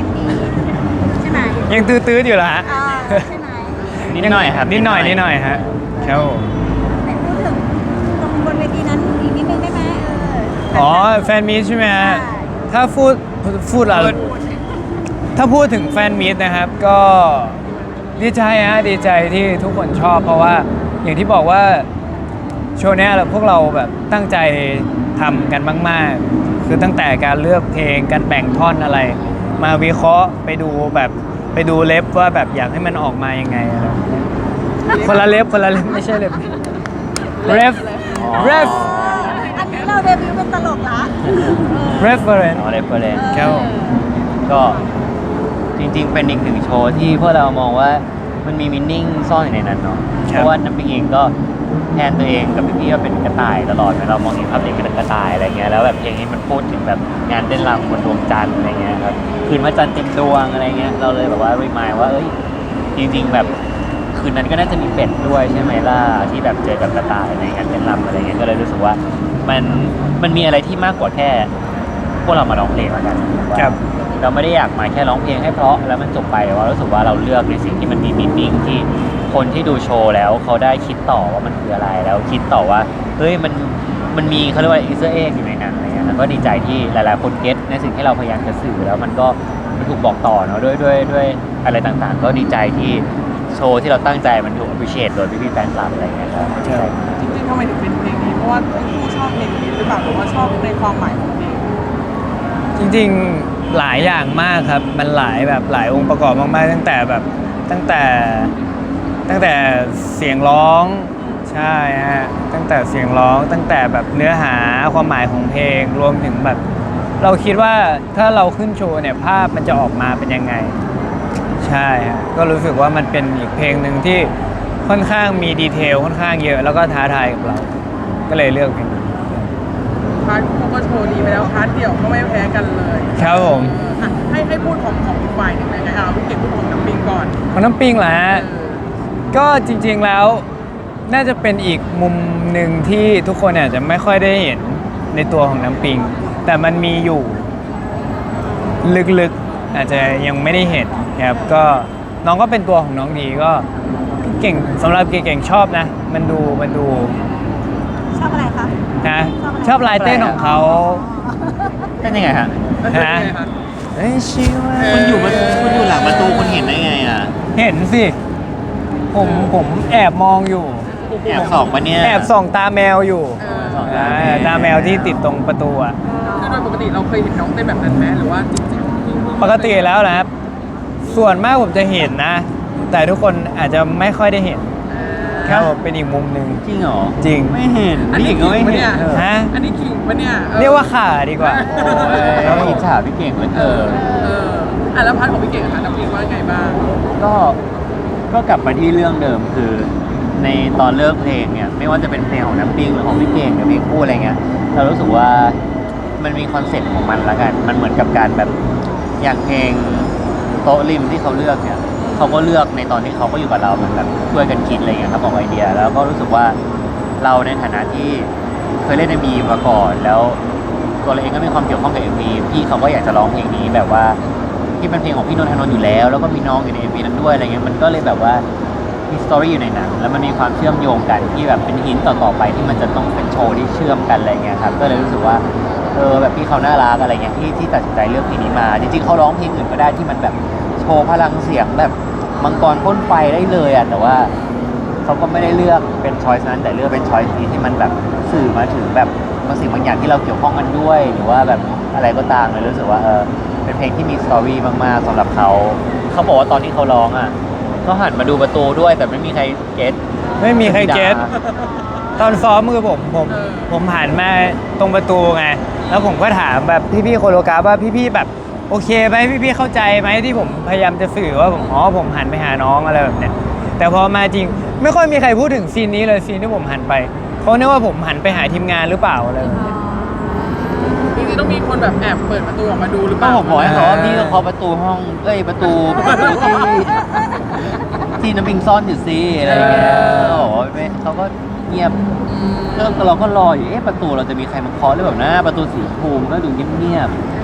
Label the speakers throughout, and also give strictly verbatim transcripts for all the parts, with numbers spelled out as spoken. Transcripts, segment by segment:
Speaker 1: ยังดีใช่ไหม
Speaker 2: ยังตื้อๆอยู่เหรอฮะ
Speaker 1: อ่าใช่ไหม
Speaker 3: นิดหน่อยครับ
Speaker 2: นิดหน่อยนิดหน่อยฮะครับผม
Speaker 1: ไหนพูดถึงตรงบนเวทีนั้นอีกนิดนึงได้ไหมเออ
Speaker 2: อ๋อแฟนมีตใช่ไหมฮะ
Speaker 1: ใช่
Speaker 2: ถ้าพูดพูดอะไรถ้าพูดถึงแฟนมีตนะครับก็ดีใจฮะดีใจที่ทุกคนชอบเพราะว่าอย่างที่บอกว่าโชว์เนี้ยเราพวกเราแบบตั้งใจทำกันมากๆคือตั้งแต่การเลือกเพลงการแบ่งท่อนอะไร มาวิเคราะห์ไปดูแบบไปดูเล็บว่าแบบอยากให้มันออกมายังไงอะไรคนละเล็บคนละเล็บไม่ใช่เล็บเรฟเรฟ
Speaker 1: อันนี้เราเดบิวต์เป็นตลกละ
Speaker 2: reference
Speaker 3: อ๋อเรฟเฟอเรนซ์
Speaker 2: ครับผม
Speaker 3: ก็จริงๆเป็นอีกหนึ่งโชว์ที่พวกเรามองว่ามันมีมินนิ่งซ่อนอยู่ในนั้นเนาะเพราะว่าน้ำปิงเองก็แทนตัวเองกับพี่ๆว่าเป็นกระต่ายตลอดเรามองเห็นภาพเด็กเป็นกระต่ายอะไรเงี้ยแล้วแบบเพลงนี้มันพูดถึงแบบงานเต้นรำบนดวงจันทร์อะไรเงี้ยครับคืนพระจันทร์เต็มดวงอะไรเงี้ยเราเลยแบบว่ารีมายว่าเอ้ยจริงๆแบบคืนนั้นก็น่าจะมีเป็ดด้วยใช่ไหมล่ะที่แบบเจอกับกระต่ายในงานเต้นรำอะไรเงี้ยก็เลยรู้สึกว่ามันมันมีอะไรที่มากกว่าแค่พวกเรามาร้องเพลงแล้วกัน
Speaker 2: ครับ
Speaker 3: เราไม่ได้อยากมาแค่ร้องเพลงให้เพราะแล้วมันจบไปแต่ว่ารู้สึกว่าเราเลือกในสิ่งที่มันมีมีนิ่งที่คนที่ดูโชว์แล้วเขาได้คิดต่อว่ามันคืออะไรแล้วคิดต่อว่าเฮ้ยมันมันมีเขาเรียกว่าอีสเตอร์เอ็กอยู่ในนั้นอะไรเงี้ยแล้วก็ดีใจที่หลายๆคนเก็ตในสิ่งที่เราพยายามจะสื่อแล้วมันก็มันถูกบอกต่อเนาะด้วยด้วยด้วยอะไรต่างๆ ก็ดีใจที่โชว์ที่เราตั้งใจมันถูก appreciate โดยพี่ๆแฟนคลับอะไรเงี้ยครับดีใจมาก
Speaker 4: จริงๆทำไมถึงเป็นเพลงนี้เพราะว่าทั้งคู่ชอบเพลงนี้หรือเปล่าหรือว่าชอบในความหมายของเพลง
Speaker 2: จริงๆหลายอย่างมากครับมันหลายแบบหลายองค์ประกอบมากๆตั้งแต่แบบตั้งแต่ตั้งแต่เสียงร้องใช่ฮะตั้งแต่เสียงร้องตั้งแต่แบบเนื้อหาความหมายของเพลงรวมถึงแบบ เราคิดว่าถ้าเราขึ้นโชว์เนี่ยภาพมันจะออกมาเป็นยังไง ใช่ฮะก็รู้สึกว่ามันเป็นอีกเพลงหนึ่งที่ค่อนข้างมีดีเทลค่อนข้างเยอะแล้วก็ท้าทายกับเรา ก็เลยเลือกเพลงนี้
Speaker 4: พาร์ทคู่ก็โชว์ดีไปแล้วพาร์ทเดี่ยวก็ไม่แพ้กันเลย
Speaker 2: ครับผม
Speaker 4: อ่ะให้ให้พูดของของอีกฝ่ายหนึ่งเลยไงเอาพี่เก่งพูดของน้ำปิงก่อน
Speaker 2: ของน้ำปิงเหรอฮะ
Speaker 4: เออ
Speaker 2: ก็จริงๆแล้วน่าจะเป็นอีกมุมหนึ่งที่ทุกคนอาจจะไม่ค่อยได้เห็นในตัวของน้ำปิง แต่มันมีอยู่ลึกๆอาจจะยังไม่ได้เห็นครับก็น้องก็เป็นตัวของน้องดีก็เก่งสำหรับเก่งๆชอบนะ มันดูมันดู
Speaker 1: ชอบอะไรคะ
Speaker 2: นะชอบลายเต้นของเขา
Speaker 3: เป็นยังไงฮะ
Speaker 2: ฮะเอ้ยชิวะ
Speaker 3: คุณอยู่มันคุณอยู่หลังประตูคุณเห็นได้ไงอ่ะ
Speaker 2: เห็นสิผมผมแอบมองอยู่
Speaker 3: แอบส่องปะเนี่ย
Speaker 2: แอบส่องตาแมวอยู่
Speaker 4: เออ
Speaker 3: ส่อง
Speaker 2: อ่าตาแมวที่ติดตรงประตูอ่ะ
Speaker 4: คือโดยปกติเราเคยเห็นน้องเต้นแบบนั้นไหมหรือว่าจริงๆ
Speaker 2: ปกติแล้วนะครับ ส่วนมากผมจะเห็นนะ แต่ทุกคนอาจจะไม่ค่อยได้เห็นครับผมเป็นอีกมุมหนึ่ง
Speaker 3: จริงเหรอ
Speaker 2: จริง
Speaker 3: ไม่เห็น
Speaker 4: อัน
Speaker 3: พี่
Speaker 4: นี้
Speaker 3: เก่งก็ไม่
Speaker 4: ขิงปะ
Speaker 3: เห็
Speaker 4: เนี่
Speaker 3: น
Speaker 4: ย
Speaker 3: เออ
Speaker 2: ฮะ
Speaker 4: อันนี้ขิงปะเนี่ยออ
Speaker 2: เรียกว่าขาดีกว่า
Speaker 3: โอ้ยเราอิจฉาพี่เก่งเหลือเกิน
Speaker 4: เอออ่ะแล้วพาร์ทของพี่เก่งอะคะน้ำปิงว่าไงบ้าง
Speaker 3: ก็ก็กลับมาที่เรื่องเดิมคือ ในตอนเลิกเพลงเนี่ยไม่ว่าจะเป็นเพลงของน้ำปิงหรือของพี่เก่งหรือเพลงคู่อะไรเงี้ยเรารู้สึกว่ามันมีคอนเซ็ปต์ของมันละกันมันเหมือนกับการแบบอย่างเพลงโต๊ะริมที่เขาเลือกเนี่ยเขาก็เลือกในตอนที่เขาก็อยู่กับเราเหมือนแบบช่วยกันคิดอะไรเงี้ยครับออกไอเดียแล้วก็รู้สึกว่าเราในฐานะที่เคยเล่นเอ็มวีมาก่อนแล้วตัวเราเองก็มีความเกี่ยวข้องกับเอ็มวีพี่เขาก็อยากจะร้องเพลงนี้แบบว่าที่เป็นเพลงของพี่นนทนนท์อยู่แล้วแล้วก็มีน้องอยู่ในเอ็มวีนั้นด้วยอะไรเงี้ยมันก็เลยแบบว่ามีสตอรี่อยู่ในนั้นแล้วมันมีความเชื่อมโยงกันที่แบบเป็นหินต่อๆไปที่มันจะต้องเป็นโชว์ที่เชื่อมกันอะไรเงี้ยครับก็เลยรู้สึกว่าเออแบบพี่เขาน่ารักอะไรเงี้ยที่ที่ตัดสินใจเลือกเพลงนี้มาจริงๆเขาร้องเพลงอื่นก็ได้ที่มันแบบโชว์พลังเสียงแบบมังกรพ่นไฟได้เลยอ่ะแต่ว่าเขาก็ไม่ได้เลือกเป็นช้อยส์นั้นแต่เลือกเป็นช้อยส์นี้ที่มันแบบสื่อมาถึงแบบบางสิ่งบางอย่างที่เราเกี่ยวข้องกันด้วยหรือว่าแบบอะไรก็ตามเลยรู้สึกว่าเออเป็นเพลงที่มีสตอรี่มากๆสำหรับเขาเขาบอกว่าตอนที่เขาร้องอ่ะก็หันมาดูประตูด้วยแต่ไม่มีใครเก็ต
Speaker 2: ไม่มีใครเก็ตตอนซ้อมมือผมผม
Speaker 4: เออ
Speaker 2: ผมหันมาตรงประตูไง แล้วผมก็ถามแบบพี่ๆโคโรกราฟว่าพี่ๆแบบโอเคไหมพี่ๆเข้าใจไหมที่ผมพยายามจะสื่อว่าผมอ๋อผมหันไปหาน้องอะไรแบบเนี้ยแต่พอมาจริงไม่ค่อยมีใครพูดถึงซีนนี้เลยซีนที่ผมหันไปเขาเนึกว่าผมหันไปหาทีมงานหรือเปล่าอะไรแบบเนี้ย
Speaker 4: จริงๆต้องมีคนแบบแอบเปิดประตูออกมาดูหรือเป
Speaker 3: ก็
Speaker 4: ล่า
Speaker 3: ผมบอกให้เขาว่าพี่ก็เคาะประตูห้องเอ้ยประตูประตูที่ที่น้ำปิงซ่อนอยู่ซิอะไรอย่างเงี้ยเขาบอกว่าไม่เขาก็เงียบก็เราก็รออยู่เอ๊ะประตูเราจะมีใครมาเคาะหรือเปล่านะประตูสีชมพูมันก็ดูเงียบ
Speaker 4: อืม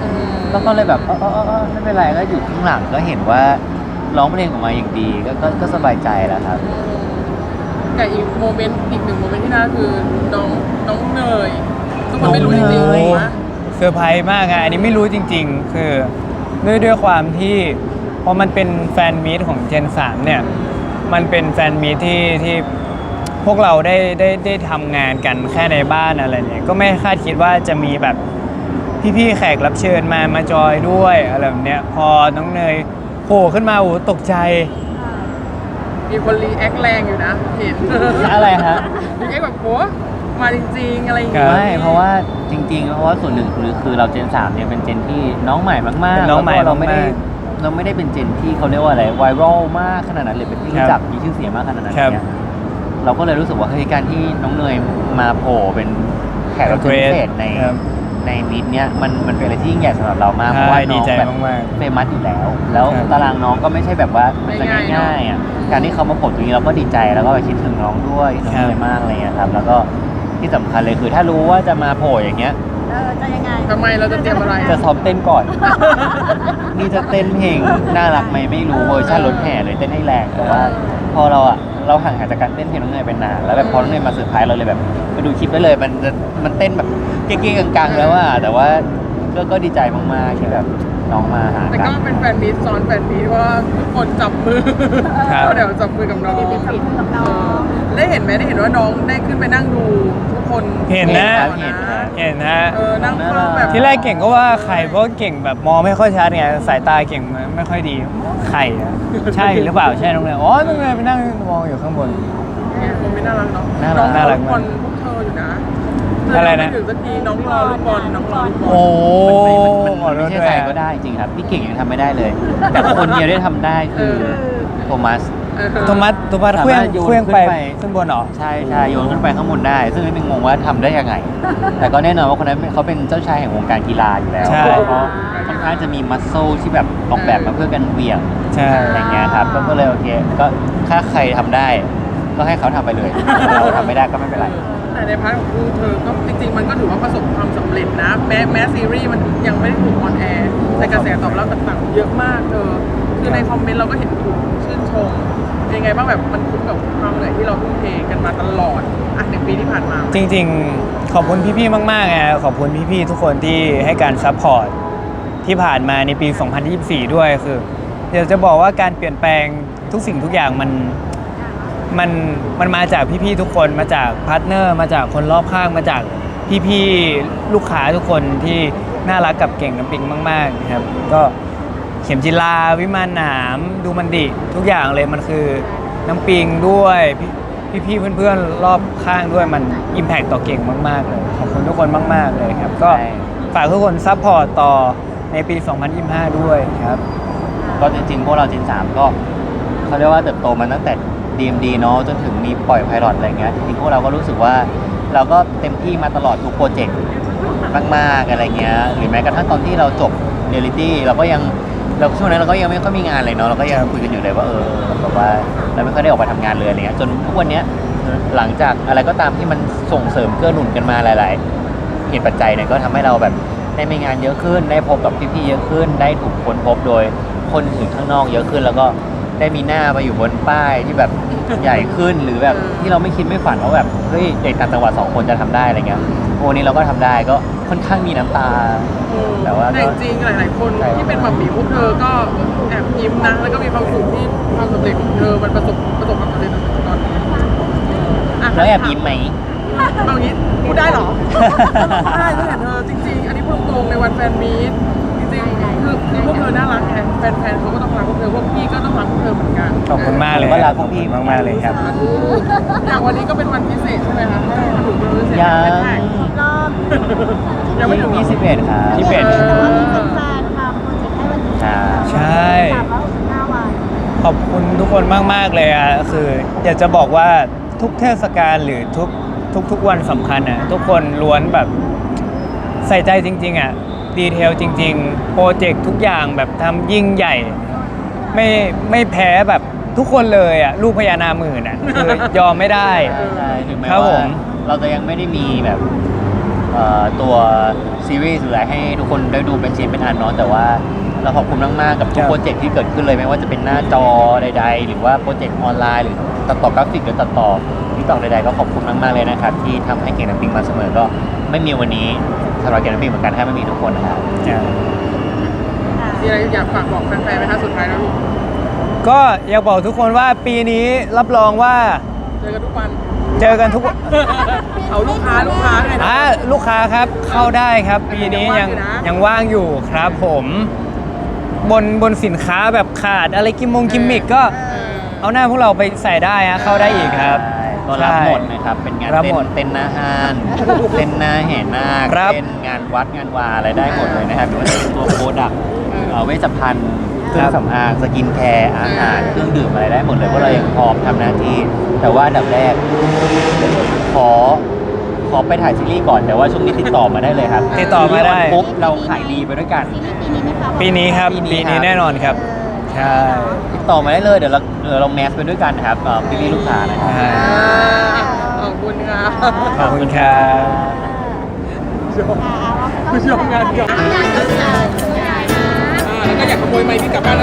Speaker 3: แล้วก็เลยแบบเออเออเออเออไม่เป็นไรก็อยู่ข้างหลังก็เห็นว่าร้องเพลงออกมาอย่างดีก็ก็ก็สบายใจแล้วครับ
Speaker 4: แต่อีกโมเมนต์อีกหนึ่งโมเมนต์ที่น่าคือน้องน้องเนยทุกคนไม่รู้จริงๆ
Speaker 3: น้องเนย
Speaker 4: นะ
Speaker 2: เซอร์ไพรส์มากอะอันนี้ไม่รู้จริงๆ คือด้วยด้วยความที่พอมันเป็นแฟนมีตของ Gen สามเนี่ยมันเป็นแฟนมีตที่ที่พวกเราได้ได้ได้ทำงานกันแค่ในบ้านอะไรเนี่ยก็ไม่คาดคิดว่าจะมีแบบพี่ๆแขกรับเชิญมามาจอยด้วยอะไรแบบเนี้ยพอน้องเนยโผล่ขึ้นมาโอ้โหตกใจ
Speaker 4: มีคนรีแอคแรงอยู่นะเห็น
Speaker 3: อะไรฮะ
Speaker 4: รีแอคแบบโหมาจริงๆอะไรอย่างเงี้ย
Speaker 3: ไม่เพราะว่าจริงๆเพราะว่าส่วนหนึ่งคือคือเราเจนสามเนี่ยเป็นเจนที่น้องใหม่มากๆ
Speaker 2: เป็นน้องใหม่
Speaker 3: แล้วก็เราไม่ได้
Speaker 2: มาก
Speaker 3: เราไม่ได้เป็นเจนที่เขาเรียกว่าอะไรไวรัลมากขนาดนั้นหรือเป็นที่
Speaker 2: ครับ
Speaker 3: รู้จักมีชื่อเสียงมากขนาดนั้น
Speaker 2: ครับ
Speaker 3: เนี่ยเราก็เลยรู้สึกว่าเฮ้ยการที่น้องเนยมาโผล่เป็นแขกรับเชิญพิเศษใน
Speaker 2: ครับ
Speaker 3: ในมิดเนี่ยมันมันเป็นอะไรที่ยิ่งใหญ่สำหรับเรามากเพ
Speaker 2: ใช่
Speaker 3: ราะว่า
Speaker 2: ดี
Speaker 3: น้อง
Speaker 2: ใจ
Speaker 3: แบบ
Speaker 2: มาก
Speaker 3: เฟมัสอยู่แล้ว แล้ว
Speaker 2: ครับ
Speaker 3: ตารางน้องก็ไม่ใช่แบบว่ามันจะ
Speaker 4: ไม่ง่าย
Speaker 3: ง่ายๆอ่ะการที่เขามาโผล่ตรงนี้เราก็ดีใจแล้วก็คิดถึงน้องด้วยน้อง
Speaker 2: ครับ
Speaker 3: เนยมากอะไรเงี้ยครับแล้วก็ที่สำคัญเลยคือถ้ารู้ว่าจะมาโผล่อย่างเงี้ย
Speaker 1: เออจะยังไง
Speaker 4: ทำไมเราจะเตรียมอะไร
Speaker 3: จะซ้อมเต้นก่อน นี่จะเต้นเพลงน่ารักไหมไม่รู้เวอร์ชันรถแห่เลยเต้นให้แรงแต่ว่า พอเราอะเราห่างหายจากการเต้นเพลงน้องเนยเป็นนานแล้วแบบพอน้องเนยมาเซอร์ไพรส์เราเลยแบบไปดูคลิปได้เลยมันจะมันเต้นแบบเก๊ๆกังๆแล้วอะแต่ว่าก็ก็ดีใจมากๆที่แบบน้องมาหา
Speaker 4: แต่
Speaker 3: กั
Speaker 4: ก็
Speaker 3: น
Speaker 4: เป็นแฟนมีตซ้อนแฟนมีตว่าทุกคนจับมือ
Speaker 2: ครับ
Speaker 4: เดี๋ยวจับมือกับน้อง
Speaker 1: มีฟิตกับน้อง
Speaker 4: ได้เห็นไหมได้เห็นว่าน้องได้ขึ้นไปนั่งดูทุกคน
Speaker 2: เห็นนะ
Speaker 3: เห็นครับ
Speaker 2: เห็นฮะ
Speaker 4: เออนั่งเฝ้าแบบ
Speaker 2: ที่แรกเก่งก็ว่าใครเพราะเก่งแบบมองไม่ค่อยชัดไงสายตาเก่งไม่ค่อยดีใครอะใช่หรือเปล่าใช่น้องเนยอ๋อน้องเนยไปนั่งมองอยู่ข้างบน
Speaker 4: เนี่ยโมเมนต์น่ารักเนาะ
Speaker 3: น่ารัก
Speaker 4: อง
Speaker 2: น่ารัก
Speaker 4: ลูกบอลพวกเธออยู่นะ
Speaker 2: อะไรนะ
Speaker 4: เธยังม่ถึงสักทีน้องรอลูกบอลน้องรอลูกบอล
Speaker 2: โอ้
Speaker 3: มัน
Speaker 2: ขอ
Speaker 3: ไม่
Speaker 2: โทษ
Speaker 3: ใช่
Speaker 2: ด้วย
Speaker 3: ใคร
Speaker 2: อะ
Speaker 3: ก็ได้จริงครับพี่เก่งยังทำไม่ได้เลย แต่คนเดียวได้ทำได้คือโทมัส
Speaker 4: เออ
Speaker 2: โทมัสโทมัส
Speaker 3: สา
Speaker 2: เคลื่อ
Speaker 3: มาง รถโยน
Speaker 2: เคลื่องไป
Speaker 3: ขึ้นไป
Speaker 2: ขึ้นบนเหรอ
Speaker 3: ใช่ใช่โยนขึ้นไปข้างบนได้ ซึ่งไม่เป็นงงว่าทำได้ยังไง แต่ก็แน่นอนว่าคนนั้นเขาเป็นเจ้าชายแห่งวงการกีฬาอยู่แล้ว
Speaker 2: ใช่
Speaker 3: เพราะค่อนข้างจะมีมัสโซที่แบบออกแบบมาเพื่อกันเหวี่ยง
Speaker 2: ใช่
Speaker 3: อะไรเงี้ยครับก็ก็เลยโอเคก็ถ้าใครทำได้ ก็ให้เขาทำไปเลยเราทำไม่ได้ก็ไม่เป็นไร
Speaker 4: แต่ในพาร์ทของคู่เธอก็จริงๆ มันก็ถือว่าประสบความสำเร็จนะ แม้แม้ซีรีส์มันยังไม่ได้ถูกออนแอร์แต่กระแสตอบรับต่างๆ เยอะมากเธอคือในคอมเมนต์เราก็เห็นถูกชื่นชมเป็นยังไงบ้างแบบมันคุ้มกับความเหนื่อยที่เราทุ่มเทกันมาตลอดอ่ะหนึ่งปีที่ผ่านมา
Speaker 2: จริงๆ ขอบคุณพี่ๆ มากๆไงขอบคุณพี่ๆ ทุกคนที่ให้การซัพพอร์ตที่ผ่านมาในปี สองพันยี่สิบสี่ ด้วยคือเดี๋ยวจะบอกว่าการเปลี่ยนแปลงทุกสิ่งทุกอย่างมันมันมันมาจากพี่ๆ ทุกคนมาจากพาร์ทเนอร์มาจากคนรอบข้างมาจากพี่ๆ ลูกค้าทุกคนที่น่ารักกับเก่งน้ำปิงมากๆนะครับก็เข็มจิลาวิมานหนามดูมันดิทุกอย่างเลยมันคือน้ำปิงด้วยพี่พี่ๆเพื่อนๆรอบข้างด้วยมันอิมแพคต่อเก่งมากๆเลยขอบคุณทุกคนมากๆเลยครับก็
Speaker 3: ใช่
Speaker 2: ฝากทุกคนซัพพอร์ตต่อในปี สองพันยี่สิบห้า ด้วยครับ
Speaker 3: ก็จริงๆ พวกเราเจนสามก็เขาเรียกว่าเติบโตมาตั้งแต่ ดี เอ็ม ดี เนาะจนถึงมีปล่อยไพลอตอะไรเงี้ยจริงๆพวกเราก็รู้สึกว่าเราก็เต็มที่มาตลอดทุกโปรเจกต์มากๆอะไรเงี้ยหรือแม้กระทั่งตอนที่เราจบเรียลิตี้เราก็ยังเราช่วงนั้นเราก็ยังไม่ค่อยมีงานเลยเนาะเราก็ยังคุยกันอยู่เลยว่าเออแบบว่าเราไม่ค่อยได้ออกไปทำงานเลยอะไรเงี้ยจนทุกวันเนี้ยหลังจากอะไรก็ตามที่มันส่งเสริมเกื้อหนุนกันมาหลาย ๆ เหตุปัจจัยเนี่ยก็ทำให้เราแบบได้มีงานเยอะขึ้น ได้พบกับพี่ๆเยอะขึ้น ได้ถูกค้นพบโดยคนถึงข้างนอกเยอะขึ้น แล้วก็ได้มีหน้าไปอยู่บนป้ายที่แบบใหญ่ขึ้นหรือแบบที่เราไม่คิดไม่ฝันว่าแบบเฮ้ยเด็กต่างจังหวัดสองคนจะทำได้อะไรเงี้ยวันนี้เราก็ทำได้ก็ค่อนข้างมีน้ำตา แต่ว่าก็
Speaker 4: แต่จริงๆหลาย ๆ คน
Speaker 3: ใช่
Speaker 4: ที่เป็นแบบหมีพวกเธอก็แอบยิ้มนะแล้วก็มีความสุขที่ความสำเร็จของเธอมันประสบประสบความสำเร็จในตอนนี้อ่ะ
Speaker 3: แล้วแอบยิ้มไหม
Speaker 4: บางทีพูดได้เหรอ ได้ก็เห็นเธอจริง ๆ อันนี้พูดตรงๆในวันแฟนมีตจริงๆคือคือพวกเธอน่ารักไงแฟนๆเขาก็ต้องรักพวกเธอพวกพี่ก็ต้องรักพวกเธอเหมือนกัน
Speaker 2: ขอบคุณมากเลย
Speaker 3: ผมก็รัก
Speaker 2: ขอบคุณมากๆเลยครับ
Speaker 4: สาธุอย่างวันนี้ก็เป็นวันพิเศษใช่ไหมคะถูกเป็นวันพิเศษ
Speaker 3: ยัง
Speaker 4: แท็ก
Speaker 1: ครบรอบ
Speaker 4: ยังไม่ถึงหรอ
Speaker 3: ยี่สิบเอ็ดครับ
Speaker 2: ยี่สิบเอ็ด
Speaker 1: แต่ว่ามีแฟนๆทำโปรเจกต์ให้วันนี้
Speaker 3: ใช่
Speaker 2: ใช่
Speaker 1: สามร้อยหกสิบห้าวัน
Speaker 2: ขอบคุณทุกคนมาก ๆ เลยอ่ะคืออยากจะบอกว่าทุกเทศกาลหรือทุกทุกทุกวันสำคัญอ่ะทุกคนล้วนแบบใส่ใจจริง ๆ อ่ะ ดีเทลจริง ๆ โปรเจกต์ทุกอย่างแบบทำยิ่งใหญ่ ไม่ไม่แพ้แบบทุกคนเลยอ่ะ ลูกพญานาคหมื่นอ่ะ คือยอมไม่ได้
Speaker 3: ใช่ถึงแม้
Speaker 2: ครับผ
Speaker 3: ว่าม เราจะยังไม่ได้มีแบบเอ่อตัวซีรีส์หรืออะไรให้ทุกคนได้ดูเป็นชิ้นเป็นอันเนาะแต่ว่าเราขอบคุณมากๆกับทุกโปรเจกต์ที่เกิดขึ้นเลยไม่ว่าจะเป็นหน้าจอใดๆ หรือว่าโปรเจกต์ออนไลน์หรือตัดต่อกราฟิกหรือตัดต่อที่ต่อใดๆก็ขอบคุณมากๆเลยนะครับที่ทำให้เก่งนักปิ้งมาเสมอก็ไม่มีวันนี้สำหรับเก่งนักปิ้งเหมือนกันถ้าไม่มีทุกคนนะครับ
Speaker 4: มีอะไรอยากฝากบอกแฟนๆไหมคะสุดท้ายแล้วลูก
Speaker 2: ก็อยากบอกทุกคนว่าปีนี้รับรองว่า
Speaker 4: เจอกันทุกวัน
Speaker 2: เจอกันทุกวัน
Speaker 4: เอาลูกค้าลูกค้าไงนะ
Speaker 2: อ่าลูกค้าครับเข้าได้ครับ ปีนี้ยัง
Speaker 4: ยังว่างอยู่นะ
Speaker 2: ยังว่างอยู่ครับผมบนบนสินค้าแบบขาดอะไรกิมมงกิมมิกก็
Speaker 4: เออ
Speaker 2: เอาหน้าพวกเราไปใส่ได้ฮะเข้าได้อีกครับ
Speaker 3: ก็รับหมดนะครับ เป็นงาน
Speaker 2: รับ
Speaker 3: เต้
Speaker 2: หมด
Speaker 3: นเต้นหน้าห้านเต้นหน้าแห่นาค
Speaker 2: ครับ
Speaker 3: เต้นงานวัดงานวาอะไรได้หมดเลยนะครับหรือว่าจะเป็นตัวโปรดักต์เอ่อเวชภัณฑ์เครื่องสำอางสกินแคร์อาหารเครื่องดื่มอะไรได้หมดเลยเพราะเรายังพร้อมทำหน้าที่ แต่ว่าอันดับแรก ขอขอไปถ่ายซีรีส์ก่อนแต่ว่าช่วงนี้ติดต่อมาได้เลยครับ
Speaker 2: ติดต่อมาได้
Speaker 3: ซีรีส์ออนปุ๊บเราขายดีไปด้วยกัน
Speaker 1: ปีนี้ไหมคะ
Speaker 2: ปีนี้ครับ
Speaker 3: ปีนี้
Speaker 2: ปี
Speaker 3: ครั
Speaker 2: นี้
Speaker 3: บ
Speaker 2: แน่นอนครับใช่
Speaker 3: ติดต่อมาได้เลยเดี๋ยวเราเดี๋ยวเราแมสไปด้วยกันนะครับเอ่อพี่ๆลูกค้านะครับ
Speaker 2: ใช่
Speaker 4: ขอบคุณค่ะ
Speaker 2: ขอบคุณครับ
Speaker 4: ผู้ชมงานเดียว
Speaker 1: งานก็เกิดงานนะ
Speaker 4: อ่าแล้วก็อยากขโมยไมค์ที่กลับบ้าน